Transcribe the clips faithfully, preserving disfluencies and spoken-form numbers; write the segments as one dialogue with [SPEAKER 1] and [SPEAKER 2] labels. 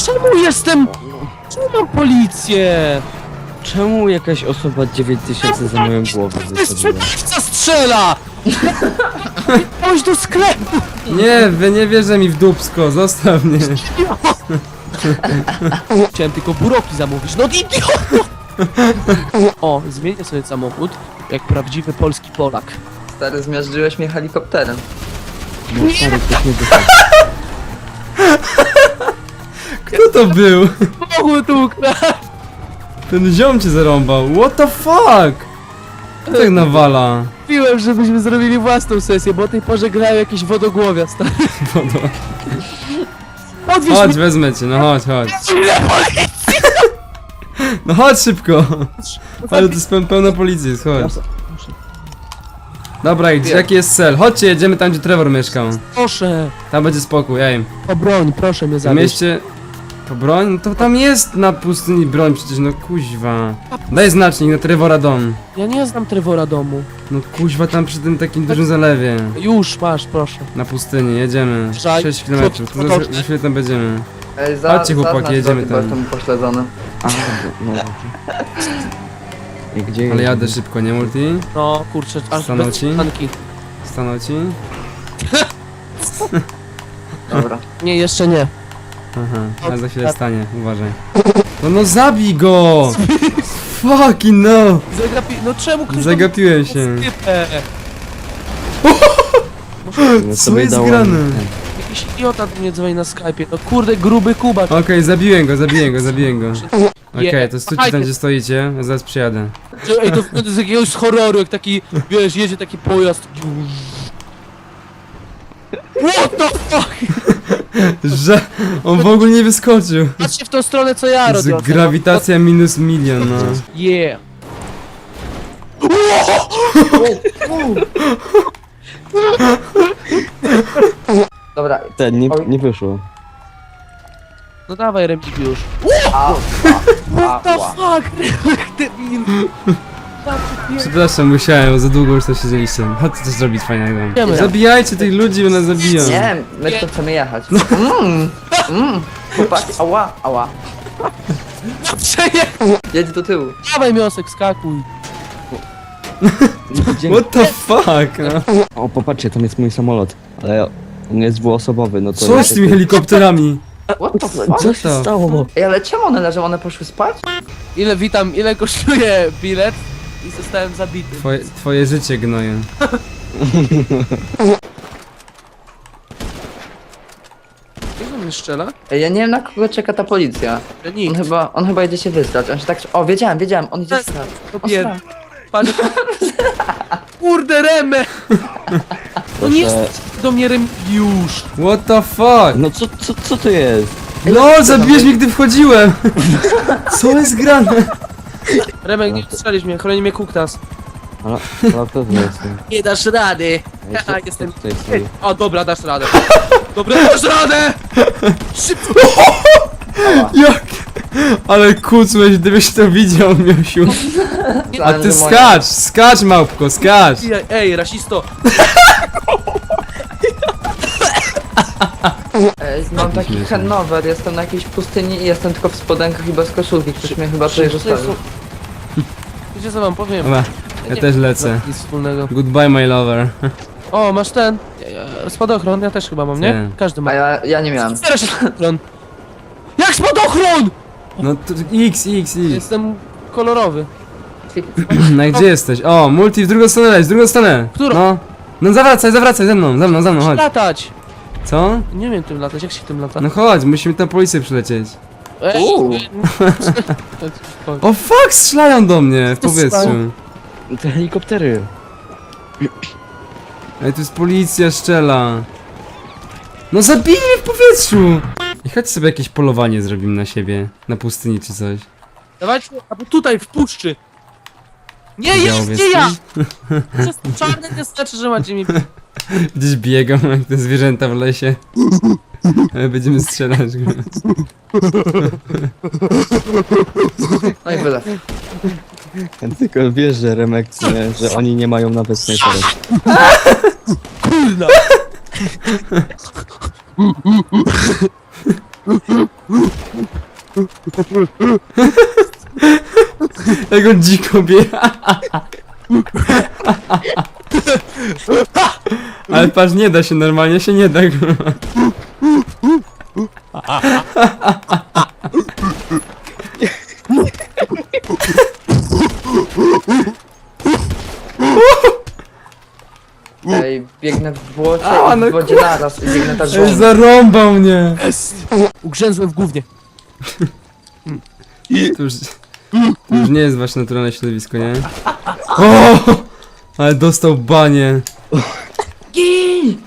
[SPEAKER 1] Czemu jestem... Czemu mam policję?
[SPEAKER 2] Czemu jakaś osoba dziewięć tysięcy za moją głowę
[SPEAKER 1] To jest
[SPEAKER 2] wysadziła?
[SPEAKER 1] sprzedawca strzela! Chodź do sklepu!
[SPEAKER 3] Nie, wy nie wierzę mi w dupsko, zostaw mnie.
[SPEAKER 1] Chciałem tylko buroki zamówić, no idioto! O, zmienię sobie samochód, jak prawdziwy polski Polak.
[SPEAKER 4] Stary, zmiażdżyłeś mnie helikopterem.
[SPEAKER 2] No stary, ktoś nie wychodzi.
[SPEAKER 3] Kto to był?
[SPEAKER 1] Samochód ukraść!
[SPEAKER 3] Ten ziom cię zarąbał. What the fuck? Kto tak nawala?
[SPEAKER 1] Mówiłem, żebyśmy zrobili własną sesję, bo o tej porze grają jakieś wodogłowia, stary.
[SPEAKER 3] Wodo.
[SPEAKER 1] Odwieź
[SPEAKER 3] Chodź,
[SPEAKER 1] mnie!
[SPEAKER 3] wezmę cię, no chodź, chodź. No chodź szybko. Ale to jest peł- pełno policji, jest, chodź. Dobra, gdzie, jaki jest cel? Chodźcie, jedziemy tam, gdzie Trevor mieszkał.
[SPEAKER 1] Proszę,
[SPEAKER 3] Tam będzie spokój, ej.
[SPEAKER 1] o broń, proszę mnie
[SPEAKER 3] W
[SPEAKER 1] zawieźć.
[SPEAKER 3] mieście... To broń? No to tam jest na pustyni broń przecież, no kuźwa. Daj znacznik na Trevora dom.
[SPEAKER 1] Ja nie znam Trevora domu.
[SPEAKER 3] No kuźwa, tam przy tym takim dużym zalewie.
[SPEAKER 1] Już, masz, proszę.
[SPEAKER 3] Na pustyni, jedziemy.
[SPEAKER 1] Żaj.
[SPEAKER 3] sześć kilometrów, to za, za chwilę tam będziemy.
[SPEAKER 4] Ej, za,
[SPEAKER 3] Chodźcie, chłopaki,
[SPEAKER 4] zaznacz
[SPEAKER 3] jedziemy
[SPEAKER 4] drogi, bo
[SPEAKER 3] tam.
[SPEAKER 4] jestem pośledzony.
[SPEAKER 2] A, no dobrze. I gdzie
[SPEAKER 3] Ale
[SPEAKER 2] jest?
[SPEAKER 3] jadę szybko, nie multi?
[SPEAKER 1] No, kurczę, aż
[SPEAKER 3] Stanął
[SPEAKER 1] bez
[SPEAKER 3] ci?
[SPEAKER 1] tanki.
[SPEAKER 3] Stanął ci?
[SPEAKER 4] Dobra.
[SPEAKER 1] Nie, jeszcze nie.
[SPEAKER 3] Aha, a za chwilę stanie, uważaj. No no zabij go! Fucking no!
[SPEAKER 1] Zagapi... No czemu ktoś...
[SPEAKER 3] Zagapiłem się.
[SPEAKER 1] Typę.
[SPEAKER 2] No
[SPEAKER 3] Co
[SPEAKER 2] sobie
[SPEAKER 3] jest
[SPEAKER 2] dałem
[SPEAKER 3] grane?
[SPEAKER 2] ten.
[SPEAKER 1] Jakiś idiota do mnie dzwoni na Skype'ie. No kurde, gruby Kuba.
[SPEAKER 3] Okej, zabiłem go, zabiłem go, zabiłem go. Okej,
[SPEAKER 1] Je-
[SPEAKER 3] to stójcie tam, gdzie stoicie, ja zaraz przyjadę.
[SPEAKER 1] Ej, to to z jakiegoś horroru, jak taki, wiesz, jedzie taki pojazd. What the fuck?
[SPEAKER 3] Że on w ogóle nie wyskoczył.
[SPEAKER 1] Patrzcie w tą stronę, co ja robię.
[SPEAKER 3] Z grawitacja minus milion, no.
[SPEAKER 1] Yeah.
[SPEAKER 4] Dobra.
[SPEAKER 2] Ten, nie,
[SPEAKER 4] Oj.
[SPEAKER 2] nie wyszło.
[SPEAKER 1] No dawaj, Remigiusz.
[SPEAKER 4] A,
[SPEAKER 1] What the fuck? Debil.
[SPEAKER 3] Przepraszam, musiałem, za długo już to siedzieliście. Chodźcie coś zrobić fajnego.
[SPEAKER 1] Wiemy.
[SPEAKER 3] Zabijajcie tych ludzi, bo nas zabiją.
[SPEAKER 4] nie, my tu chcemy jechać. Mmm, mmm. Chłopaki, ała, ała.
[SPEAKER 1] Przeje...
[SPEAKER 4] Jedź do tyłu.
[SPEAKER 1] Dawaj, miosek, skakuj.
[SPEAKER 2] Dzięki.
[SPEAKER 3] What the fuck, no.
[SPEAKER 2] O, popatrzcie, tam jest mój samolot. Ale on jest dwuosobowy, no to...
[SPEAKER 3] Co z tymi helikopterami?
[SPEAKER 4] What the fuck?
[SPEAKER 2] Co się stało?
[SPEAKER 4] Ej, ale czemu one leżą? One poszły spać?
[SPEAKER 1] Ile, witam, ile kosztuje bilet? I zostałem zabity.
[SPEAKER 3] Twoje, twoje życie gnoje.
[SPEAKER 1] Jak on mnie strzela?
[SPEAKER 4] Ej, ja nie wiem, na kogo czeka ta policja.
[SPEAKER 1] Że
[SPEAKER 4] On
[SPEAKER 1] nikt.
[SPEAKER 4] chyba, on chyba idzie się wyzdać. On się tak... O, wiedziałem, wiedziałem, on idzie strać.
[SPEAKER 1] To bied... Patrz... Kurde, Remę! No nie jest do mnie Remigiusz.
[SPEAKER 3] What the fuck?
[SPEAKER 2] No co, co, co to jest?
[SPEAKER 3] LOL, zabiłeś mnie, gdy wchodziłem! Co jest grane?
[SPEAKER 1] Remek, nie strzelisz mnie, chroni mnie Kuktas.
[SPEAKER 2] Ale, ale to jest.
[SPEAKER 1] Nie dasz rady! Ja
[SPEAKER 2] co-
[SPEAKER 1] jestem...
[SPEAKER 2] co tutaj stoi?
[SPEAKER 1] O, dobra, dasz radę. Dobra, dasz radę! Szybko!
[SPEAKER 3] Jak? Ale kucłeś, gdybyś to widział, Miosiu. A
[SPEAKER 4] Myślałem,
[SPEAKER 3] ty
[SPEAKER 4] że moja-
[SPEAKER 3] skacz, skacz małpko, skacz!
[SPEAKER 1] Ej, Ej, rasisto!
[SPEAKER 4] Ej, mam taki handover, jestem na jakiejś pustyni i jestem tylko w spodenkach i bez koszulki. Ktoś mnie chyba tutaj zostawił.
[SPEAKER 1] Wiecie co wam powiem?
[SPEAKER 3] Dobra, ja też lecę.
[SPEAKER 1] Nic wspólnego.
[SPEAKER 3] Goodbye, my lover.
[SPEAKER 1] O, masz ten. Ja- ja- Spadochron, ja też chyba mam, nie?
[SPEAKER 3] Nie.
[SPEAKER 1] Każdy ma.
[SPEAKER 4] A ja, ja nie miałem.
[SPEAKER 1] Teraz się spadochron! Jak spadochron?!
[SPEAKER 3] No to X, X, X.
[SPEAKER 1] Jestem kolorowy.
[SPEAKER 3] No i gdzie jesteś? O, multi w drugą stronę leć, w drugą stronę.
[SPEAKER 1] Którą?
[SPEAKER 3] No. No zawracaj, zawracaj, ze mną, ze mną, ze mną, chodź.
[SPEAKER 1] Latać!
[SPEAKER 3] Co?
[SPEAKER 1] Nie wiem tym latać, jak się tym lata?
[SPEAKER 3] No chodź, musimy tam policję przylecieć.
[SPEAKER 1] Ej,
[SPEAKER 4] Uuu.
[SPEAKER 1] ej,
[SPEAKER 3] O fuck, strzelają do mnie w
[SPEAKER 1] To
[SPEAKER 3] powietrzu.
[SPEAKER 1] strzelają.
[SPEAKER 2] Te helikoptery.
[SPEAKER 3] Ej, tu jest policja, szczela. No zabili mnie w powietrzu! I chodź sobie jakieś polowanie zrobimy na siebie, na pustyni czy coś.
[SPEAKER 1] Dawajcie, albo tutaj, w puszczy! Nie, jest,
[SPEAKER 3] Białowiec,
[SPEAKER 1] nie ja! Przez czarne nie znaczy, że macie mi...
[SPEAKER 3] Gdzieś biegam jak te zwierzęta w lesie. Ale będziemy strzelać.
[SPEAKER 4] No i wylew.
[SPEAKER 2] Tylko wiesz, że Remek, nie, że oni nie mają nawet snajperek.
[SPEAKER 1] Kurna!
[SPEAKER 3] Jak on dziko biega. Ale patrz, nie da się, normalnie się nie da.
[SPEAKER 4] Ej, biegnę w błocie
[SPEAKER 3] A,
[SPEAKER 4] i
[SPEAKER 3] no
[SPEAKER 4] w wodzie naraz i biegnę tak
[SPEAKER 3] Ej,
[SPEAKER 4] żołnierz.
[SPEAKER 3] zarąbał mnie.
[SPEAKER 1] Ugrzęzłem w gównie.
[SPEAKER 3] To już, to już nie jest wasze naturalne środowisko, nie? O! Ale dostał banie.
[SPEAKER 4] Gin!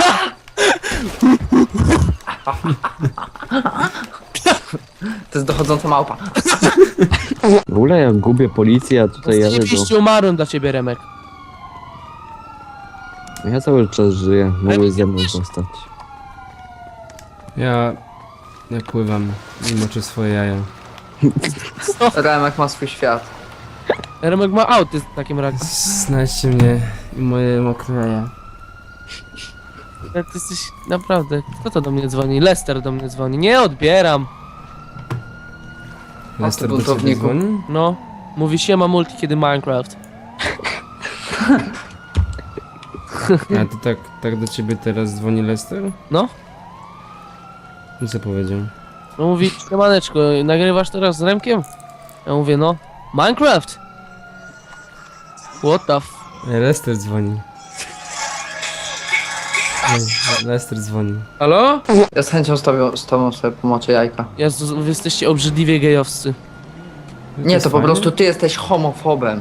[SPEAKER 4] To jest dochodząca małpa.
[SPEAKER 2] W ogóle ja gubię policję, a tutaj jadę do...
[SPEAKER 1] Zajebiście umarłem dla ciebie, Remek.
[SPEAKER 2] Ja cały czas żyję, mogłeś ze mną zostać.
[SPEAKER 3] Ja... Ja pływam i moczę swoje jaja.
[SPEAKER 4] Remek ma swój świat.
[SPEAKER 1] Remek ma autyzm w takim razie.
[SPEAKER 3] Znajdźcie mnie i moje mokre jaja.
[SPEAKER 1] Ale ty jesteś naprawdę... Kto to do mnie dzwoni? Lester do mnie dzwoni. Nie odbieram.
[SPEAKER 3] Lester do ciebie
[SPEAKER 4] buntowniku.
[SPEAKER 3] dzwoni?
[SPEAKER 1] No. Mówi siema multi kiedy Minecraft.
[SPEAKER 3] A to tak, tak do ciebie teraz dzwoni Lester?
[SPEAKER 1] No.
[SPEAKER 3] I co powiedział?
[SPEAKER 1] No mówi, siemaneczko, nagrywasz teraz z Remkiem? Ja mówię, no. Minecraft! What the f...
[SPEAKER 3] Ej, Lester dzwoni. Ej, Lester dzwoni.
[SPEAKER 1] Halo?
[SPEAKER 4] Ja z chęcią z tobą, z tobą sobie pomoczę jajka.
[SPEAKER 1] Jezu, wy jesteście obrzydliwie gejowscy.
[SPEAKER 4] Nie,
[SPEAKER 3] jest
[SPEAKER 4] to po
[SPEAKER 3] fajne?
[SPEAKER 4] prostu ty jesteś homofobem.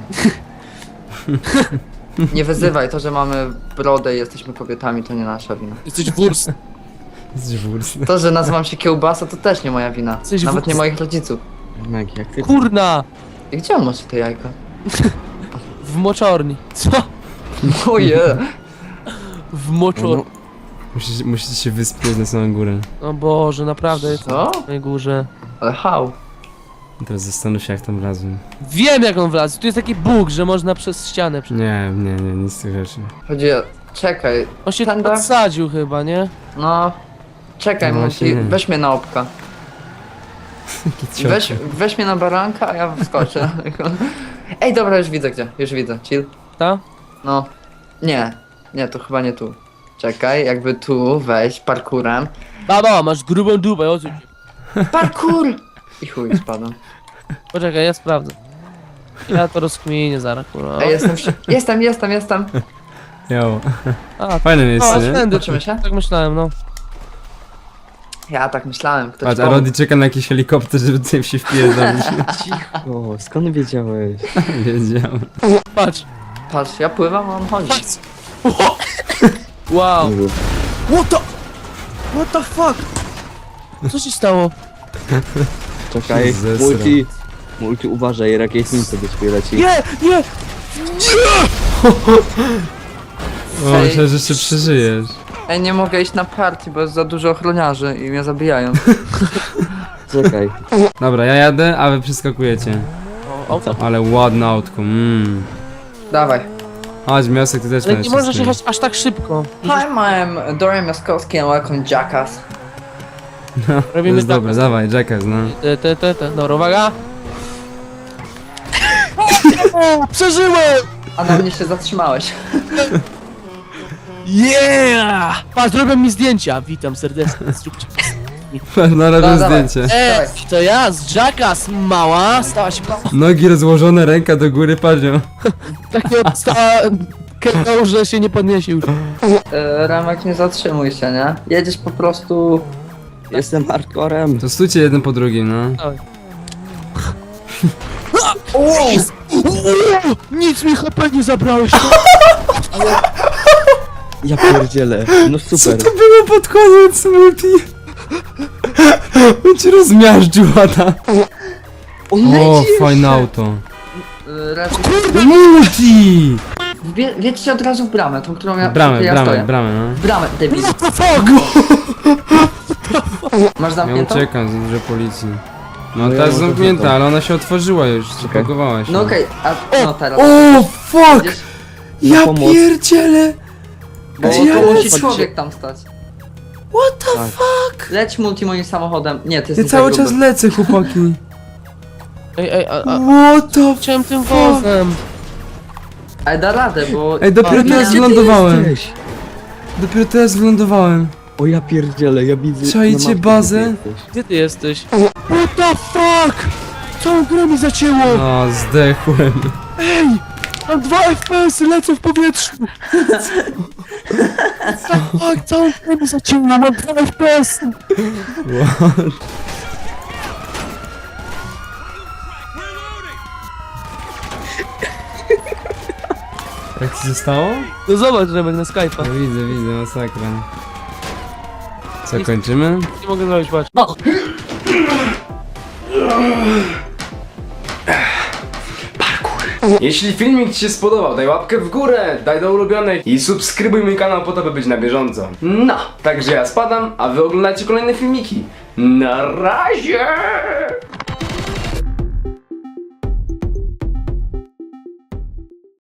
[SPEAKER 4] Nie wyzywaj, to, że mamy brodę i jesteśmy kobietami, to nie nasza wina.
[SPEAKER 1] Jesteś wurs.
[SPEAKER 3] Jesteś wurs.
[SPEAKER 4] To, że nazywam się kiełbasa, to też nie moja wina.
[SPEAKER 1] Jesteś
[SPEAKER 4] Nawet
[SPEAKER 1] w-
[SPEAKER 4] nie moich rodziców.
[SPEAKER 2] Remek, jak ty...
[SPEAKER 1] Kurna!
[SPEAKER 4] I gdzie on macie te jajka?
[SPEAKER 1] W moczorni. Co?
[SPEAKER 4] Oje!
[SPEAKER 1] W moczorni.
[SPEAKER 2] No,
[SPEAKER 3] Musicie, musicie się wyspiąć na samą górę.
[SPEAKER 1] O Boże, naprawdę jest
[SPEAKER 4] Co?
[SPEAKER 1] na tej górze.
[SPEAKER 4] Ale how?
[SPEAKER 3] Teraz zastanów się, jak tam wlazłem.
[SPEAKER 1] Wiem jak on wlazł. Tu jest taki bóg, że można przez ścianę. prze-
[SPEAKER 3] Nie, nie, nie, nic z tych rzeczy.
[SPEAKER 4] Chodzi o... Czekaj,
[SPEAKER 1] On się
[SPEAKER 4] Tędy?
[SPEAKER 1] podsadził chyba, nie?
[SPEAKER 4] no... Czekaj,
[SPEAKER 3] No
[SPEAKER 4] Multi,
[SPEAKER 3] właśnie nie.
[SPEAKER 4] weź mnie na opka. Weź, weź mnie na baranka, a ja wskoczę. Ej, dobra, już widzę gdzie, już widzę, chill.
[SPEAKER 1] Ta?
[SPEAKER 4] No, nie, nie, to chyba nie tu. Czekaj, jakby tu wejść parkurem.
[SPEAKER 1] Baba, masz grubą dupę, o co ci?
[SPEAKER 4] Parkur! I chuj, spadłem.
[SPEAKER 1] Poczekaj, ja sprawdzę. Ja to rozkminię zaraz, kurwa.
[SPEAKER 4] Ej, jestem, wsi- jestem, jestem, jestem.
[SPEAKER 3] Jo.
[SPEAKER 1] A,
[SPEAKER 3] Fajne miejsce,
[SPEAKER 1] o,
[SPEAKER 3] nie?
[SPEAKER 1] tędy.
[SPEAKER 4] Zobaczymy się?
[SPEAKER 1] Tak myślałem, no.
[SPEAKER 4] Ja tak myślałem, ktoś
[SPEAKER 3] Patrz, a
[SPEAKER 4] pomógł.
[SPEAKER 3] Rodi czeka na jakiś helikopter, żeby tutaj się wpierdolić.
[SPEAKER 2] O, skąd wiedziałeś?
[SPEAKER 3] Wiedziałem.
[SPEAKER 1] Patrz.
[SPEAKER 4] Patrz, ja pływam, a on chodzi.
[SPEAKER 1] Patrz. Wow.
[SPEAKER 2] Mówię,
[SPEAKER 1] What the... What the fuck? Co się stało?
[SPEAKER 2] czekaj,
[SPEAKER 3] Zesrał.
[SPEAKER 2] multi... Multi, uważaj, rakietnica do ciebie leci.
[SPEAKER 1] Nie, nie!
[SPEAKER 3] O,
[SPEAKER 4] Ej.
[SPEAKER 3] myślałem, że jeszcze przeżyjesz.
[SPEAKER 4] Ej, nie mogę iść na party, bo jest za dużo ochroniarzy i mnie zabijają.
[SPEAKER 2] Czekaj.
[SPEAKER 3] Dobra, ja jadę, a wy przeskakujecie.
[SPEAKER 1] O, o,
[SPEAKER 3] Ale ładne autko, mmm.
[SPEAKER 4] Dawaj.
[SPEAKER 3] Chodź, Miosek, ty też
[SPEAKER 1] ale
[SPEAKER 3] będziesz
[SPEAKER 1] nie możesz
[SPEAKER 3] z tym.
[SPEAKER 1] jechać aż tak szybko.
[SPEAKER 4] Hi, I'm Dorian Jaskowski and welcome Jackass.
[SPEAKER 3] No, to
[SPEAKER 1] Robimy
[SPEAKER 3] jest
[SPEAKER 1] tak.
[SPEAKER 3] dobre, dawaj, Jackass, no.
[SPEAKER 1] Te, te, te, te. Dobra, uwaga. O, przeżyłem!
[SPEAKER 4] A na mnie się zatrzymałeś.
[SPEAKER 1] Yeah! Patrz, zrobią mi zdjęcia. Witam serdecznie. Zróbcie.
[SPEAKER 3] No, robię
[SPEAKER 4] No, dawaj.
[SPEAKER 3] zdjęcie.
[SPEAKER 1] Ej, to ja z Jackass, mała. Stała się mała.
[SPEAKER 3] Nogi rozłożone, ręka do góry, patrzą.
[SPEAKER 1] Tak nie odstała kępą, że się nie podniesie już.
[SPEAKER 4] E, Ramek, nie zatrzymuj się, nie? Jedziesz po prostu...
[SPEAKER 2] Jestem hardcorem.
[SPEAKER 3] To stójcie jeden po drugim, no.
[SPEAKER 1] Dawaj.
[SPEAKER 4] O!
[SPEAKER 1] Nic mi H P nie zabrałeś.
[SPEAKER 2] Ja pierdzielę. No
[SPEAKER 3] Co
[SPEAKER 2] super.
[SPEAKER 3] to było pod koniec, Multi? On ci rozmiażdżył, Ada.
[SPEAKER 4] O,
[SPEAKER 3] O,
[SPEAKER 4] leci
[SPEAKER 3] fajne
[SPEAKER 4] jeszcze.
[SPEAKER 3] auto.
[SPEAKER 4] E, Raczej...
[SPEAKER 3] Multi!
[SPEAKER 4] Wie, Wiedźcie od razu w bramę, tą, którą ja,
[SPEAKER 3] Bramę,
[SPEAKER 4] ja
[SPEAKER 3] bramę,
[SPEAKER 4] stoję.
[SPEAKER 3] bramę, no.
[SPEAKER 4] W bramę, debil.
[SPEAKER 1] What the fuck?
[SPEAKER 4] Masz
[SPEAKER 3] Ja
[SPEAKER 4] zamkniętą?
[SPEAKER 3] uciekam, za dużo policji. No,
[SPEAKER 2] No ja
[SPEAKER 3] ta jest
[SPEAKER 2] mam
[SPEAKER 3] zamknięta,
[SPEAKER 2] zamkniętą.
[SPEAKER 3] ale ona się otworzyła już, zapakowała się.
[SPEAKER 4] No okej, a no teraz.
[SPEAKER 3] O, fuck!
[SPEAKER 4] Widzisz?
[SPEAKER 3] Ja
[SPEAKER 2] pomoc.
[SPEAKER 3] pierdzielę!
[SPEAKER 4] Bo
[SPEAKER 3] Gdzie ja
[SPEAKER 4] to musi
[SPEAKER 3] lecę?
[SPEAKER 4] człowiek tam stać.
[SPEAKER 3] What the
[SPEAKER 2] Tak.
[SPEAKER 3] fuck?
[SPEAKER 4] Leć multi moim samochodem. Nie, ty
[SPEAKER 3] Ja
[SPEAKER 4] jesteś
[SPEAKER 3] cały
[SPEAKER 4] za
[SPEAKER 3] czas
[SPEAKER 4] gruby.
[SPEAKER 3] lecę, chłopaki.
[SPEAKER 1] Ej, ej, a, a,
[SPEAKER 3] What the
[SPEAKER 1] chciałem tym
[SPEAKER 3] fuck?
[SPEAKER 1] wozem.
[SPEAKER 4] Ale da radę, bo...
[SPEAKER 3] Ej, dopiero
[SPEAKER 4] O, nie,
[SPEAKER 3] teraz
[SPEAKER 4] gdzie ty
[SPEAKER 3] wylądowałem.
[SPEAKER 2] Jesteś?
[SPEAKER 3] Dopiero teraz wylądowałem.
[SPEAKER 2] O ja pierdzielę, ja widzę...
[SPEAKER 3] Czajcie
[SPEAKER 2] na mapie,
[SPEAKER 3] bazę?
[SPEAKER 2] gdzie jesteś.
[SPEAKER 1] Gdzie ty jesteś? What the fuck? Całą grę mi zacięło!
[SPEAKER 3] No, zdechłem.
[SPEAKER 1] Ej! Mam dwa F P S-y, lecę w powietrzu! Tak, całą grę mi zacięło, mam dwa F P S-y!
[SPEAKER 3] What? Jak ci zostało?
[SPEAKER 1] No zobacz, Remek, na Skype'a.
[SPEAKER 3] No widzę, widzę, masakra. Co, kończymy?
[SPEAKER 1] Nie mogę zrobić, patrz.
[SPEAKER 3] Jeśli filmik ci się spodobał, daj łapkę w górę, daj do ulubionej i subskrybuj mój kanał po to, by być na bieżąco. No, także ja spadam, a wy oglądajcie kolejne filmiki. Na razie!